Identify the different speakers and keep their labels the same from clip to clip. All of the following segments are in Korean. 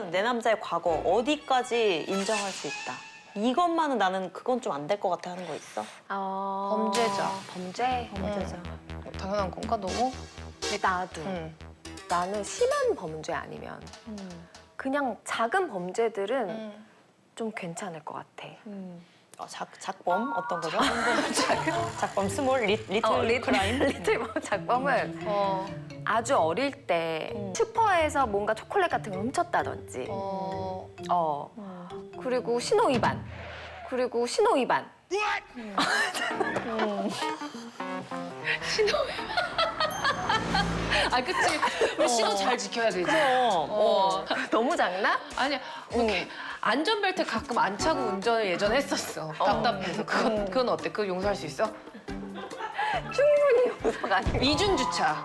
Speaker 1: 내 남자의 과거 어디까지 인정할 수 있다. 이것만은 나는 그건 좀 안 될 것 같아 하는 거 있어?
Speaker 2: 범죄자. 범죄?
Speaker 1: 범죄자.
Speaker 2: 당연한 건가 너무?
Speaker 3: 근데 나도. 나는 심한 범죄 아니면 그냥 작은 범죄들은 좀 괜찮을 것 같아.
Speaker 1: 작범 어떤 거죠? 작범 스몰 리틀 크라임?
Speaker 3: 리틀 작범은 아주 어릴 때 슈퍼에서 뭔가 초콜릿 같은 걸 훔쳤다든지 그리고 신호 위반
Speaker 4: 아, 그치. 우리 신호 잘 지켜야 되지.
Speaker 3: 너무 작나?
Speaker 4: 아니야, 안전벨트 가끔 안 차고 운전을 예전에 했었어. 답답해서. 그건 어때? 그거 용서할 수 있어?
Speaker 3: 충분히 용서가 안 돼.
Speaker 4: 이중주차.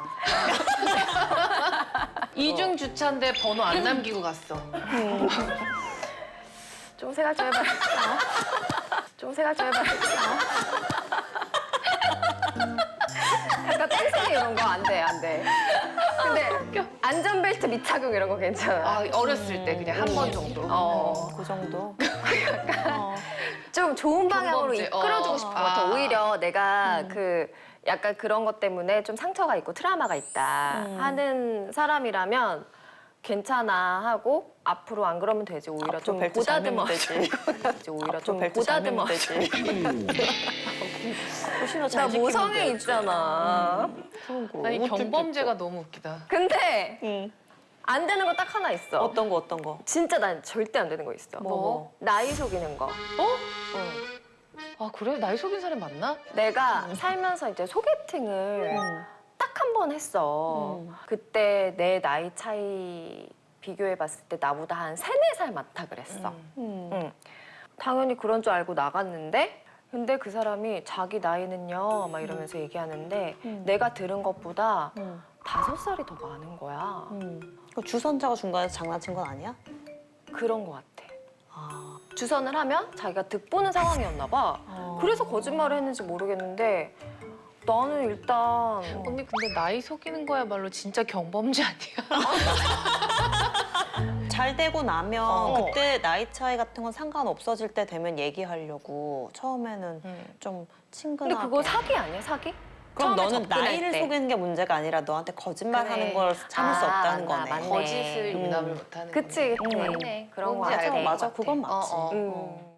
Speaker 4: 이중주차인데 번호 안 남기고 갔어.
Speaker 3: 좀 생각 좀 해봐. 좀 생각 좀 해봐. 약간 뺑소니 이런 거 안 돼, 안 돼. 근데 안전벨트 미착용 이런 거 괜찮아.
Speaker 4: 아, 어렸을 때 그냥 한 번 정도.
Speaker 1: 그 정도?
Speaker 3: 좀 좋은 방향으로
Speaker 4: 경범죄.
Speaker 3: 이끌어주고 싶은 것 같아.
Speaker 4: 아.
Speaker 3: 오히려 내가 약간 그런 것 때문에 좀 상처가 있고 트라우마가 있다 하는 사람이라면 괜찮아 하고 앞으로 안 그러면 되지. 오히려 좀
Speaker 1: 벨트 잘 매면
Speaker 3: 보다듬어
Speaker 1: 되지.
Speaker 3: 오히려
Speaker 1: 좀
Speaker 3: 좀
Speaker 1: 벨트 잘 매면
Speaker 3: 보다듬어
Speaker 1: 되지. 신호
Speaker 3: 나
Speaker 1: 잘 지키면
Speaker 3: 모성애
Speaker 1: 돼.
Speaker 3: 있잖아.
Speaker 4: 아니, 경범죄가 너무 웃기다.
Speaker 3: 근데 안 되는 거 딱 하나 있어.
Speaker 1: 어떤 거?
Speaker 3: 진짜 난 절대 안 되는 거 있어.
Speaker 1: 뭐?
Speaker 3: 나이 속이는 거.
Speaker 4: 아, 그래? 나이 속인 사람 맞나?
Speaker 3: 내가 살면서 이제 소개팅을 딱 한 번 했어. 그때 내 나이 차이 비교해봤을 때 나보다 한 3-4살 많다 그랬어. 응. 당연히 그런 줄 알고 나갔는데 근데 그 사람이 자기 나이는요 막 이러면서 얘기하는데 내가 들은 것보다 5살이 더 많은 거야.
Speaker 1: 그 주선자가 중간에서 장난친 건 아니야?
Speaker 3: 그런 것 같아. 주선을 하면 자기가 득보는 상황이었나 봐. 그래서 거짓말을 했는지 모르겠는데 나는 일단
Speaker 4: 언니, 근데 나이 속이는 거야말로 진짜 경범죄 아니야?
Speaker 1: 잘 되고 나면 그때 나이 차이 같은 건 상관 없어질 때 되면 얘기하려고 처음에는 좀 친근하게.
Speaker 3: 근데 그거 사기 아니야, 사기?
Speaker 1: 그럼
Speaker 3: 처음에
Speaker 1: 너는
Speaker 3: 접근할
Speaker 1: 나이를
Speaker 3: 때.
Speaker 1: 속이는 게 문제가 아니라 너한테 거짓말하는
Speaker 3: 그래.
Speaker 1: 걸 참을 수 없다는 거네.
Speaker 3: 맞네.
Speaker 4: 거짓을 용납을 못하는
Speaker 3: 그치,
Speaker 4: 거네.
Speaker 3: 그치. 그런 거
Speaker 4: 뭔지
Speaker 3: 같아.
Speaker 4: 알것
Speaker 1: 맞아,
Speaker 4: 같아.
Speaker 1: 그건 맞지.
Speaker 4: 어.